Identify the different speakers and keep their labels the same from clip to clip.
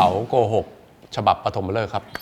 Speaker 1: ต๋าโกหกฉบับปฐมฤกษ์ครับ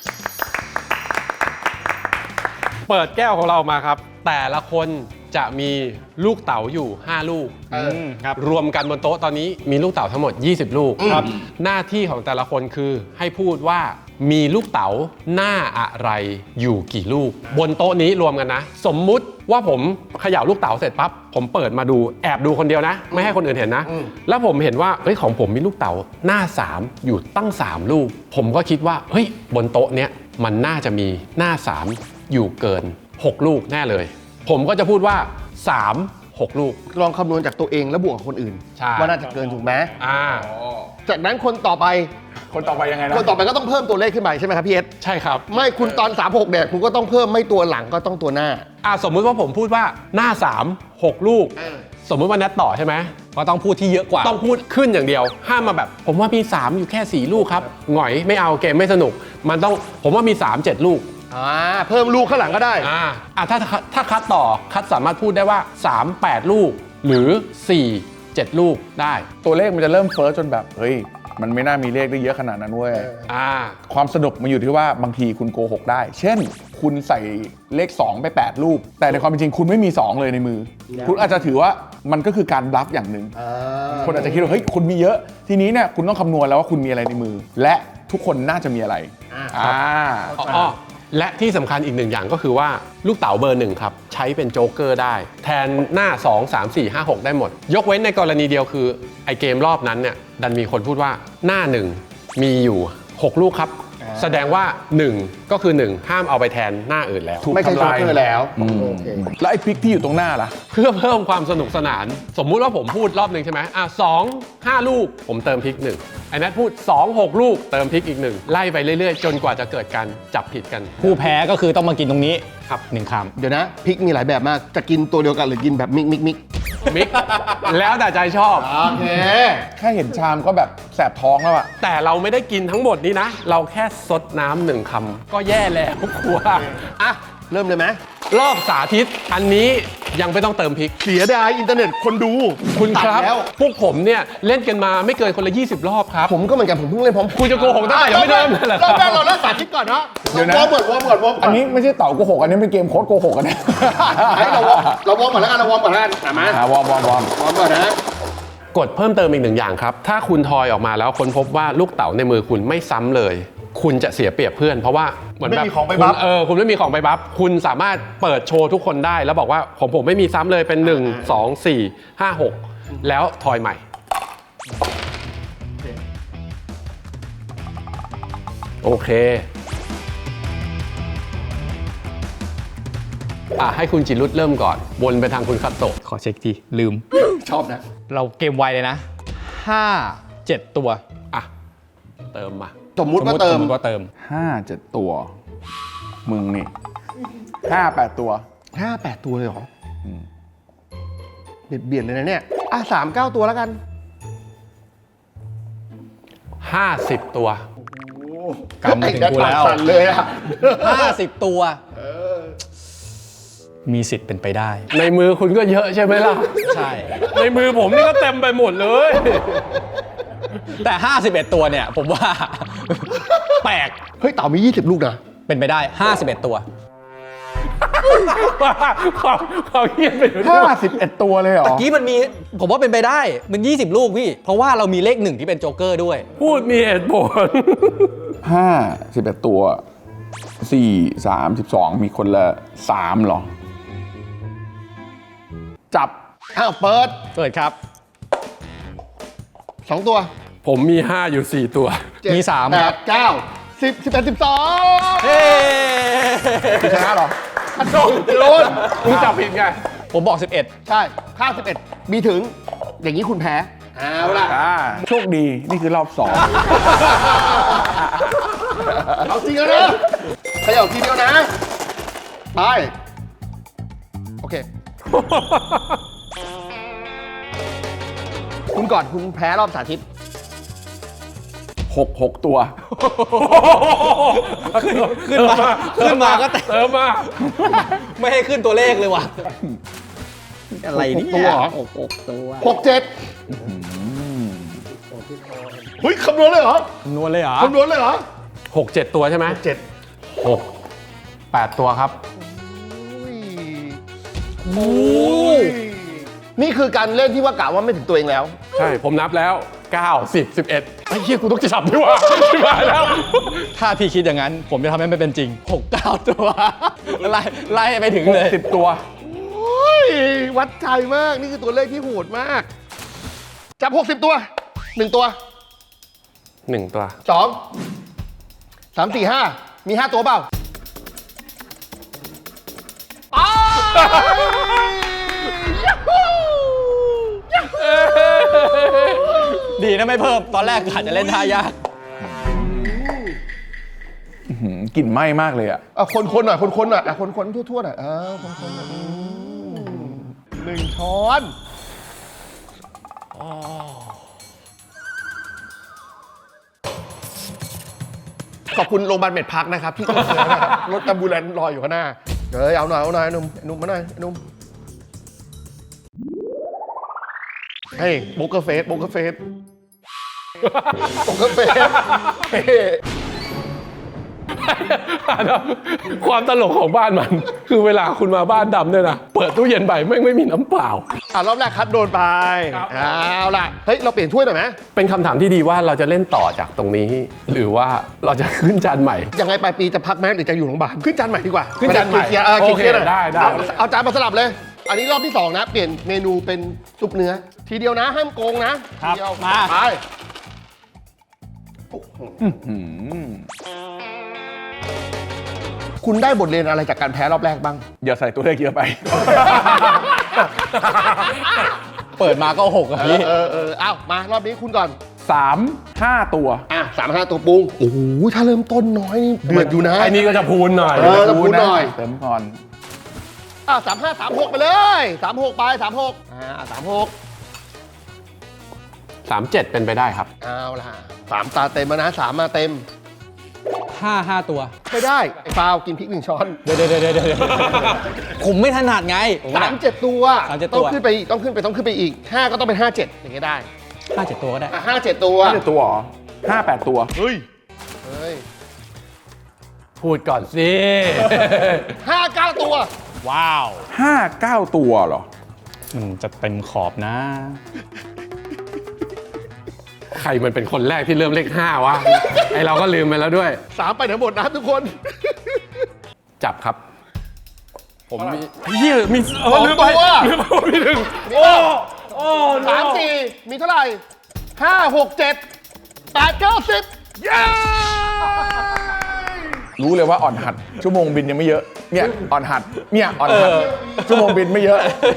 Speaker 1: เปิดแก้วของเรามาครับแต่ละคนจะมีลูกเต๋าอยู่5ลูกครับรวมกันบนโต๊ะตอนนี้มีลูกเต๋าทั้งหมด20ลูกครับหน้าที่ของแต่ละคนคือให้พูดว่ามีลูกเต๋าหน้าอะไรอยู่กี่ลูกบนโต๊ะนี้รวมกันนะสมมุติว่าผมเขย่าลูกเต๋าเสร็จปั๊บผมเปิดมาดูแอบดูคนเดียวนะไม่ให้คนอื่นเห็นนะแล้วผมเห็นว่าเฮ้ยของผมมีลูกเต๋าหน้า3อยู่ตั้ง3ลูกผมก็คิดว่าเฮ้ยบนโต๊ะเนี้ยมันน่าจะมีหน้า3อยู่เกิน6ลูกแน่เลยผมก็จะพูดว่า6 ลูก
Speaker 2: ลองคำนวณจากตัวเองแล้วบวกกับคนอื่นว่าน่าจะเกินถูกไหมจากนั้นคนต่อไป
Speaker 3: ยังไงนะ
Speaker 2: คนต่อไปก็ต้องเพิ่มตัวเลขขึ้นไปใช่ไหมครับพี่เอส
Speaker 1: ใช่ครับ
Speaker 2: ไม่คุณตอน36เนี่ยคุณก็ต้องเพิ่มไม่ตัวหลังก็ต้องตัวหน้า
Speaker 1: สมมุติว่าผมพูดว่าหน้า6 ลูกสมมุติว่านัดต่อใช่ไหม
Speaker 4: ก็ต้องพูดที่เยอะกว่า
Speaker 1: ต้องพูดขึ้นอย่างเดียวห้ามมาแบบผมว่ามี3อยู่แค่4ลูกครับหงอยไม่เอาเกมไม่สนุกมันต้องผมว่ามี3-7ลูก
Speaker 2: เพิ่มลูกข้างหลังก็ได้
Speaker 1: ถ้าคัดต่อคัดสามารถพูดได้ว่า3-8ลูกหรือ4-7ลูกได้
Speaker 3: ตัวเลขมันจะเริ่มเฟ้อจนแบบเฮ้ยมันไม่น่ามีเลขได้เยอะขนาดนั้นเว้ยความสนุกมันอยู่ที่ว่าบางทีคุณโกหกได้เช่นคุณใส่เลข2ไป8ลูกแต่ในความเป็นจริงคุณไม่มี2เลยในมือคุณอาจจะถือว่ามันก็คือการบลัฟอย่างหนึ่งคนอาจจะคิดว่าเฮ้ยคุณมีเยอะทีนี้เนี่ยคุณต้องคำนวณแล้วว่าคุณมีอะไรในมือและทุกคนน่าจะมีอะไร
Speaker 1: และที่สำคัญอีกหนึ่งอย่างก็คือว่าลูกเต๋าเบอร์1ครับใช้เป็นโจ๊กเกอร์ได้แทนหน้า2 3 4 5 6ได้หมดยกเว้นในกรณีเดียวคือไอเกมรอบนั้นเนี่ยดันมีคนพูดว่าหน้า1มีอยู่6ลูกครับแสดงว่า1ก็คือ1ห้ามเอาไปแทนหน้าอื่นแล้ว
Speaker 2: ไม่ใช่โจ๊กเกอร์แล้ว
Speaker 3: แล้วไอ้พริกที่อยู่ตรงหน้าล่ะ
Speaker 1: เพื่อเพิ่มความสนุกสนานสมมุติว่าผมพูดรอบหนึ่งใช่ไหม2 5 ลูกผมเติมพริก1ไอ้นัทพูด2-6 ลูกเติมพริกอีก1ไล่ไปเรื่อยๆจนกว่าจะเกิดการจับผิดกัน
Speaker 4: ผู้แพ้ก็คือต้องมากินตรงนี้ครับ1 คำ
Speaker 2: เดี๋ยวนะพริกมีหลายแบบมากจะกินตัวเดียวกันหรือกินแบบมิก
Speaker 1: แล้วแต่ใจชอบ
Speaker 2: โอเค
Speaker 3: แค่เห็นชามก็แบบแสบท้องแล้วอะ
Speaker 1: แต่เราไม่ได้กินทั้งหมดนี้นะเราแค่ซดน้ำ1 คำก็แย่แล้วครัว
Speaker 2: เริ่มเลยไหม
Speaker 1: รอบสาธิตอันนี้ยังไม่ต้องเติมพริก
Speaker 2: เสียดายอินเทอร์เน็ตคนดู
Speaker 1: คุณครับพวกผมเนี่ยเล่นกันมาไม่เกินคนละ20รอบครับ
Speaker 2: ผมก็เหมือนกันผมเพิ่งเล่น
Speaker 1: คุณจะโกหกได้ยังไม่เริ่มเลย
Speaker 2: รอบแรกเราเริ่มสาธิตก่อนเนาะ
Speaker 3: เดี๋ยวนะวอร์มอันนี้ไม่ใช่เต่าโกหกอันนี้เป็นเกมโค้ดโกหกกันนะ
Speaker 2: เราวอร์มก่อนแล้วกันเราวอร์มก่อนแล้วกันมาว
Speaker 3: อร์ม
Speaker 2: ก่อนนะ
Speaker 1: กดเพิ่มเติมอีก1อย่างครับถ้าคุณทอยออกมาแล้วค้นพบว่าลูกเต๋าในมือคุณไม่ซ้ำเลยคุณจะเสียเปรียบเพื่อนเพราะว่าเหมือนแบบ
Speaker 2: ของไปบัฟ
Speaker 1: คุณไม่มีของไปบัฟคุณสามารถเปิดโชว์ทุกคนได้แล้วบอกว่าผมไม่มีซ้ำเลยเป็น1 2 4 5 6แล้วทอยใหม่โอเคให้คุณจิรุตเริ่มก่อนวนไปทางคุณคัตโตะ
Speaker 4: ขอเช็คทีลืม
Speaker 2: ชอบนะ
Speaker 4: เราเกมไวเลยนะ5-7 ตัว
Speaker 1: เติมมา
Speaker 2: สมมุติว่าเติม
Speaker 3: 5-7 ตัวมึงนี่5-8 ตัว
Speaker 2: 5-8 ตัวเลยเหรอเบียดเลยนะเนี่ย3-9 ตัวแล้วกัน
Speaker 1: 50 ตัว
Speaker 4: กำมาถึงกูแล้ว
Speaker 2: เลย
Speaker 4: 50 ตัวมีสิทธิ์เป็นไปได้
Speaker 1: ในมือคุณก็เยอะใช่ไหมล่ะ
Speaker 4: ใช่
Speaker 1: ในมือผมนี่ก็เต็มไปหมดเลย
Speaker 4: แต่51 ตัวเนี่ยผมว่าแปลก
Speaker 2: เฮ้ยเต่ามี20 ลูกนะ
Speaker 4: เป็นไปได้51 ตัว
Speaker 1: ความเงียบไป
Speaker 3: 51 ตัวเลยเหรอ
Speaker 4: ตะกี้มันมีผมว่าเป็นไปได้มัน20 ลูกพี่เพราะว่าเรามีเลข1ที่เป็นโจ๊กเกอร์ด้วย
Speaker 1: พูดมีเหตุผล
Speaker 3: 51 ตัว4 3 12มีคนละ3หรอจับ
Speaker 2: เปิด
Speaker 4: ครับ
Speaker 2: 2 ตัว
Speaker 1: ผมมี5อยู่4 ตัว
Speaker 4: มี3
Speaker 2: 8 9 10 11 12
Speaker 4: เฮ้
Speaker 3: ชนะหรอ
Speaker 2: โดน
Speaker 1: คุณจับผิดไง
Speaker 4: ผมบอก11
Speaker 2: ใช่ข้าว11มีถึงอย่างนี้คุณแพ้เอาล่ะ
Speaker 3: โชคดีนี่คือรอบ2
Speaker 2: เอาจริงแล้วนะขยับทีเดียวนะไปโอเคคุณก่อนคุณแพ้รอบสาธิต
Speaker 3: 6 ตัว
Speaker 4: ขึ้นมาก็
Speaker 1: เติมมา
Speaker 4: ไม่ให้ขึ้นตัวเลขเลยว่ะอะไรนี่
Speaker 2: ตัว
Speaker 4: 6 ตัว
Speaker 2: 6 7 เฮ้ยคำนวณเลยเหรอ
Speaker 4: คำนวณเลยเหรอ
Speaker 2: คำนวณเลยเหรอ
Speaker 1: 6 7 ตัวใช่ไหม
Speaker 2: เจ็ด
Speaker 1: 6 8 ตัวครับ
Speaker 2: โอ้ยนี่คือการเล่นที่ว่ากะว่าไม่ถึงตัวเองแล้ว
Speaker 1: ใช่ ผมนับแล้ว 9 10 11ไอ้เหี้ยกูต้องจะจับดีกว่าชิบหายแล้ว
Speaker 4: ถ้าพี่คิดอย่างนั้น ผมจะทำให้มันเป็นจริง 6-9 ตัว ไล่ไปถึงเลย
Speaker 3: 10 ตัว
Speaker 2: โอ้ย วัดใจมาก นี่คือตัวเลขที่โหดมาก จับ 60 ตัว 1 ตัว
Speaker 1: 1 ตัว
Speaker 2: 2 3 4 5 มี 5 ตัวเปล่าอ้าวยัฮูยัฮู
Speaker 4: ดีนะไม่เพิ่ม ตอนแรกอาจจะเล่นท่ายาก
Speaker 3: กลิ่นไหม้มากเลยอ่ะ
Speaker 2: คนๆหน่อยคนๆหน่อยคนๆทั่วๆหน่อยคนๆหน่อย1 ช้อนขอบคุณโรงพยาบาลเม็ดพักนะครับที่ช่วยนะครับรถแอมบูเลนซ์รออยู่ข้างหน้าเดี๋ยวเอาหน่อยหนุ่มมาหน่อยหนุ่มเฮ้ยโบกเกอร์เฟสโบกเกอร์เฟสเฮ้
Speaker 1: ความตลกของบ้านมัน คือเวลาคุณมาบ้านดำเนี่ยนะ เปิดตู้เย็นไปไม่มีน้ำเปล่า
Speaker 2: รอบแรกคัดโดนไป
Speaker 1: ครับ
Speaker 2: เอาล่ะเฮ้ยเราเปลี่ยนถ้วยหน่อยไหม
Speaker 1: เป็นคำถามที่ดีว่าเราจะเล่นต่อจากตรงนี้ หรือว่าเราจะขึ้นจานใหม่
Speaker 2: ยังไงปลายปีจะพักไหมหรือจะอยู่โรงพยาบาลขึ้นจานใหม่ดีกว่า
Speaker 1: ขึ้นจานใหม่
Speaker 2: เคลียร์
Speaker 1: โอเค
Speaker 2: เคลียร์หน่อย
Speaker 1: ได้
Speaker 2: เอาจานมาสลับเลย อันนี้รอบที่ 2 นะ เปลี่ยนเมนูเป็นซุปเนื้อ ทีเดียวนะ ห้ามโกงนะครับ ทีเดียว
Speaker 4: มา
Speaker 2: ไป คุณได้บทเรียนอะไรจากการแพ้รอบแรกบ้าง
Speaker 3: อย่าใส่ตัวเลขเยอะไป
Speaker 4: เปิดมาก็6อะพี่
Speaker 2: เอ้ามารอบนี้คุณก่อน
Speaker 3: 3-5 ตัว
Speaker 2: 3-5 ตัวปรุงโอ้โหถ้าเริ่มต้นน้อยนี่เดือดอยู่นะ
Speaker 1: ไอ้นี่ก็จะพูนหน่อย
Speaker 2: จะพูดหน่อย
Speaker 3: เติมก่อน
Speaker 2: 35 36 ไปเลย36ไป3636
Speaker 1: 37 เป็นไปได้ครับ
Speaker 2: เอาล่ะ3ตาเต็มแล้วนะ3มาเต็ม
Speaker 4: 5 ตัว
Speaker 2: ไม่ได้ ไอ้ฟาวกินพริก1 ช้อน
Speaker 4: เดี๋ยวผมไม่ถนัดไงผมว่า
Speaker 2: 37 ตัว
Speaker 4: 37
Speaker 2: ต้องขึ้นไปอีก 5 ก็ต้องเป็น 57 อย่างเงี้ยได้
Speaker 4: 5-7 ตัวก็ได้
Speaker 2: 57 ตัว
Speaker 3: 5 ตัวเหรอ5-8 ตัว
Speaker 2: เฮ้ย
Speaker 1: พูดก่อนสิ
Speaker 2: 59 ตัว
Speaker 4: ว้าว
Speaker 3: 5-9 ตัวเหรอ
Speaker 4: มันจะเต็มขอบนะ
Speaker 1: ใครมันเป็นคนแรกที่เริ่มเลข 5 วะ ไอเราก็ลืมไปแล้วด้วย
Speaker 2: 3 ไปไหนหมดนะทุกคน
Speaker 1: จับครับ ผมมีเฮียมี
Speaker 2: ลืมไปว่า
Speaker 1: ลืมไปว่ามีหนึ่ง
Speaker 2: 3 4 มีเท่าไหร่ 5 6 7 8 9 10 เย้
Speaker 3: รู้เลยว่าอ่อนหัด ชั่วโมงบินยังไม่เยอะ เนี่ยอ่อนหัด เนี่ยอ่อนหัด ชั่วโมงบินไม่เยอะ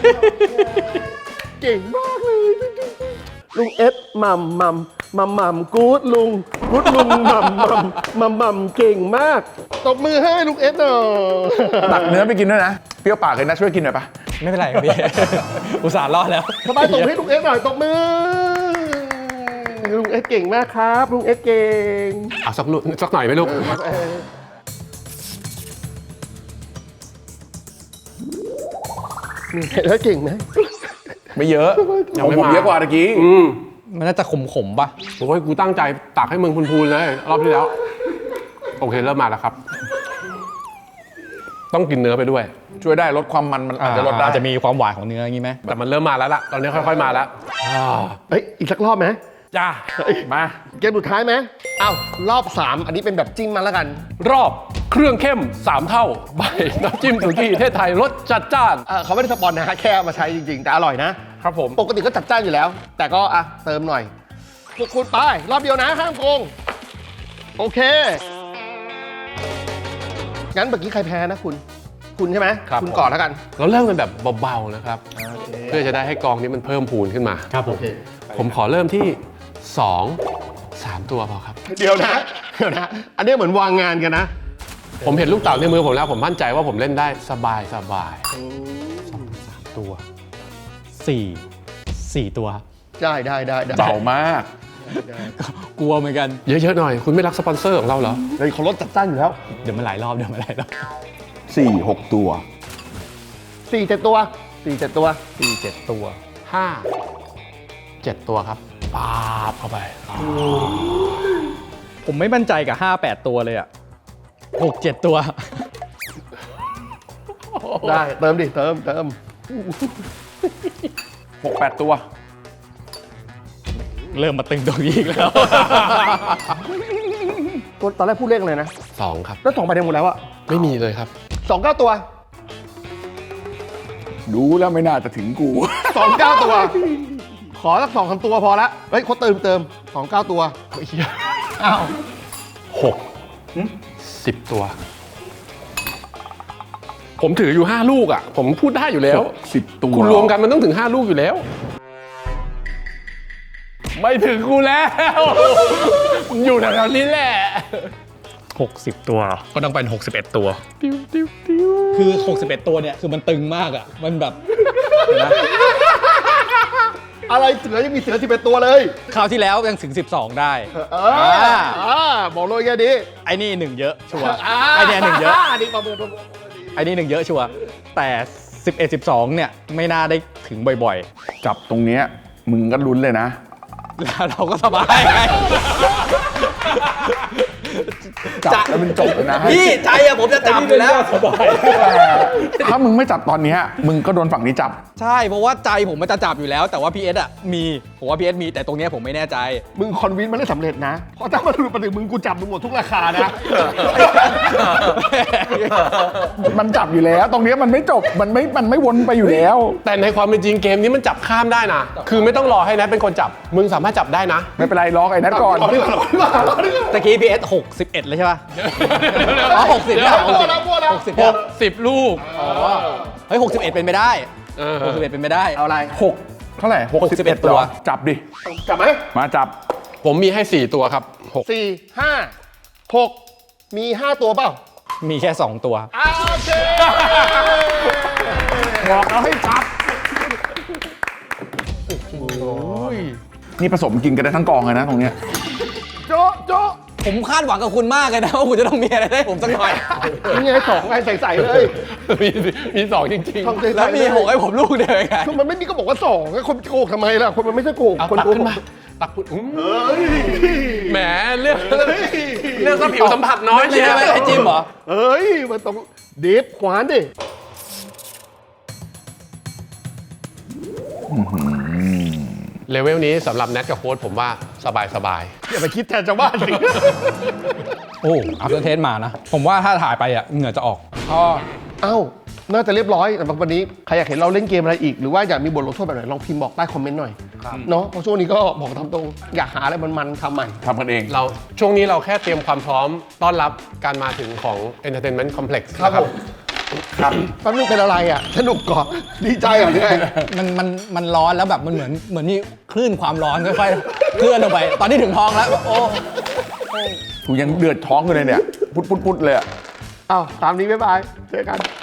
Speaker 2: เก่งมากเลย ลุงเอสมัมกู๊ดลุงมัมเก่งมากตบมือให้ลุงเอสหน่อย
Speaker 3: ตักเนื้อไปกินด้วยนะ เปรี้ยวปากเลยนะช่วยกินหน่อยปะ
Speaker 4: ไม่เป็นไรครับพี่ อุตส่าห์รอดแล้ว
Speaker 2: ทำไมตบให้ลุงเอสหน่อยตบมือลุงเอสเก่งมากครับลุงเอสเก่ง
Speaker 1: เอาสักลูกสักหน่อยไหมลูก
Speaker 2: แล้วเก่งไหม
Speaker 3: ไม่เยอะ
Speaker 1: ยังไม่
Speaker 3: ผม
Speaker 1: มา
Speaker 3: เยอะกว่าตะกี้
Speaker 4: มันน่าจะขมๆป่ะ
Speaker 1: โอ้ยกูตั้งใจตักให้มึงพูนๆเลย รอบที่แล้ว โอเคเริ่มมาแล้วครับ ต้องกินเนื้อไปด้วย
Speaker 3: ช่วยได้ลดความมันอาจจะลดได้
Speaker 4: อาจจะมีความหวานของเนื้ออย่างนี้ไหม
Speaker 1: แต่มันเริ่มมาแล้วล่ะ ตอนนี้ค่อยๆมาแล้ว
Speaker 2: เอ้ยอีกสักรอบไหม
Speaker 1: จ้า
Speaker 3: มา
Speaker 2: เกมสุดท้ายไหมอ้าวรอบ 3 อันนี้เป็นแบบจิ้มมาแล้วกัน
Speaker 1: รอบเครื่องเข้ม 3 เท่าใบน้ำจิ้มสุกี้เทศไทยรสจัดจ้าน
Speaker 2: เขาไม่ได้สปอนนะฮะแค่เอามาใช้จริงๆ แต่อร่อยนะ
Speaker 1: ครับผม
Speaker 2: ปกติก็จัดจ้านอยู่แล้ว แต่ก็เติมหน่อยพวกคุณไป รอบเดียวนะ ห้ามโกง โอเค งั้นเมื่อกี้ใครแพ้นะคุณ คุณใช่ไหม
Speaker 1: ครับ
Speaker 2: คุณก่อนแล้วกัน
Speaker 1: เราเริ่มกันแบบเบาๆนะครับ เพื่อจะได้ให้กองนี้มันเพิ่มพูนขึ้นมา
Speaker 4: ครับผม
Speaker 1: ผมขอเริ่มที่ 2-3 ตัวพอครับ
Speaker 2: เดี๋ยวนะ อันนี้เหมือนวางงานกันนะ
Speaker 1: ผมเห็นลูกเต๋าในมือผมแล้ว ผมมั่นใจว่าผมเล่นได้สบาย
Speaker 4: ตัว 4 ตัว
Speaker 2: ได้
Speaker 3: เบามาก
Speaker 4: กลัวเหมือนกัน
Speaker 1: เยอะๆหน่อย คุณไม่รักสปอนเซอร์ของเราเหรอ
Speaker 2: เลยเขาลดจัดจ้านอยู่แล้ว
Speaker 4: เดี๋ยวมันหลายรอบ
Speaker 3: 4-6 ตัว
Speaker 2: 4-7 ตัว 4-7 ตัว
Speaker 4: 4-7 ตัว
Speaker 1: 5 7 ตัวครับปาบเข้าไป
Speaker 4: ผมไม่มั่นใจกับ 5-8 ตัวเลยอ่ะ 6-7 ตัว
Speaker 2: ได้เติมดิเติม
Speaker 3: 6-8 ตัว
Speaker 4: เริ่มมาตึงตรงนี้อีกแล้ว
Speaker 2: ตัวตอนแรกพูดเลขอะไรนะ
Speaker 1: 2 ครับ
Speaker 2: แล้ว2ไปได้หมดแล้วอะ
Speaker 1: ไม่มีเลยครับ
Speaker 2: 29 ตัว
Speaker 3: ดูแล้วไม่น่าจะถึงกู
Speaker 2: 29 ตัว ขอสัก2-3 ตัวพอละเฮ้ยเขาเติม29 ตัวอ้าว
Speaker 1: 10 ตัว ผมถืออยู่ 5 ลูกอ่ะ ผมพูดได้อยู่แล้ว
Speaker 3: 10 ตัว
Speaker 1: คุณรวมกันมันต้องถึง 5 ลูกอยู่แล้ว ไม่ถึงกูแล้ว อยู่แถวๆนี้แหละ
Speaker 4: 60 ตัว ก็ต้องเป็น 61 ตัว คือ 61 ตัวเนี่ยคือมันตึงมากอ่ะ มันแบบเห็นไหม
Speaker 2: อะไรเสือยังมีเสือ11 ตัวเลย
Speaker 4: คราวที่แล้วยังถึง 12 ได้
Speaker 2: บอกเลยแค่นี้
Speaker 4: ไอ้นี่หนึ่งเยอะชัวร์ไอ้เนี่ยหนึ่งเยอะ
Speaker 2: นี่ประเมิน
Speaker 4: ไอ้นี่หนึ่งเยอะชัวร์แต่ 11-12 เนี่ยไม่น่าได้ถึงบ่อย
Speaker 3: จับตรงเนี้ยมึงก็ลุ้นเลยนะ
Speaker 4: ๆ แล้วเราก็สบายไง
Speaker 3: จับแล้วมันจบเลยนะ
Speaker 4: พี่ใจอะผมจะจับอยู่แล้ว
Speaker 3: ถ้ามึงไม่จับตอนเนี้ยมึงก็โดนฝั่งนี้จับ
Speaker 4: ใช่เพราะว่าใจผมมันจะจับอยู่แล้ว แต่ว่า PS อะมีผมว่า PS มีแต่ตรงเนี้ยผมไม่แน่ใจ
Speaker 2: มึงคอนวินมันได้สำเร็จนะ เพราะถ้ามันหลุดมาถึงมึงกูจับมึงหมดทุกราคานะ
Speaker 3: มันจับอยู่แล้ว ตรงเนี้ยมันไม่จบ มันไม่วนไปอยู่แล้ว
Speaker 1: แต่ในความเป็นจริงเกมนี้มันจับข้ามได้นะ คือไม่ต้องรอให้แนทเป็นคนจับ มึงสามารถจับได้นะ
Speaker 3: ไม่เป็นไรล็อกไอ้นัทก่อน
Speaker 4: ตะกี้ PS 61 เลยใช่ป่ะ อ๋อ60แล้ว
Speaker 1: 60 ลูก
Speaker 4: เฮ้ย61 เป็นไปได้
Speaker 1: เออ
Speaker 4: 61 เป็นไปได้
Speaker 2: เอาอะไร
Speaker 3: 6 เท่าไหร่
Speaker 4: 61
Speaker 3: ตัว จับดิ
Speaker 2: จับไหม
Speaker 3: มาจับ
Speaker 1: ผมมีให้ 4 ตัวครับ
Speaker 2: 4 5 6 มี 5 ตัวเปล่า
Speaker 4: มีแค่ 2 ตัว
Speaker 2: โอเค
Speaker 3: บอกเราให้จับ นี่ผสมกินกันได้ทั้งกองเลยนะตรงเนี้ย
Speaker 2: โจ๊ะโจ๊ะ
Speaker 4: ผมคาดหวังกับคุณมากเลยนะว่าคุณจะต้องมีอะไรได้ผมสักหน่อย
Speaker 2: นี่ไง2ไงใส่ๆเลย
Speaker 1: มี 2 จริง
Speaker 2: ทำใส่ๆ
Speaker 4: แล้วมี
Speaker 2: เลย
Speaker 4: 6ให้ผมลูกเดียวไง
Speaker 2: คือมันไม่มีก็บอกว่า2ไงคนโกหกทำไมล่ะ คนมันไม่ใช่โกหก
Speaker 1: ๆ เอา
Speaker 2: คน
Speaker 1: ตัก
Speaker 2: โกห
Speaker 1: ขึ้น
Speaker 2: ก
Speaker 1: มา ตักคุณแหมเรื่องสัมผิวสัมผัสน้อย
Speaker 4: ไม่
Speaker 1: เชีย
Speaker 4: ใช่ไอ้จิมเหรอ
Speaker 2: เฮ้ย มันต้องดิฟขวานดิ
Speaker 1: เลเวลนี้สำหรับแนทกับโค้ดผมว่าสบาย
Speaker 2: อย่าไปคิดแทนชาวบ้านสิ
Speaker 4: โอ้อัพเดทเทสมานะ ผมว่าถ้าถ่ายไปอ่ะเหงื่อจะออก
Speaker 2: เอ้า น่าจะเรียบร้อยแต่วันนี้ใครอยากเห็นเราเล่นเกมอะไรอีก หรือว่าอยากมีบทลงโทษแบบไหนลองพิมพ์บอกใต้คอมเมนต์หน่อยเนาะเพราะช่วงนี้ก็บอกตามตรงอยากหาอะไรมันๆทำใหม่
Speaker 3: ทำกันเอง
Speaker 1: ๆ เราช่วงนี้เราแค่เตรียมความพร้อมต้อนรับการมาถึงของ Entertainment Complex
Speaker 2: ครับ
Speaker 1: นะ
Speaker 2: ผมครับตอนนี้เป็นอะไรอ่ะสนุกก่อนดีใจเหรอเนี่ย
Speaker 4: มันร้อนแล้วแบบมันเหมือนมีคลื่นความร้อนค่อยๆเคลื่อนลงไป ตอนนี้ถึงท้องแล้ว โอ้
Speaker 3: กูยังเดือดท้องอยู่เลยเนี่ย พุดเลยอะ
Speaker 2: อ้าวตามนี้บ๊ายบายเจอกัน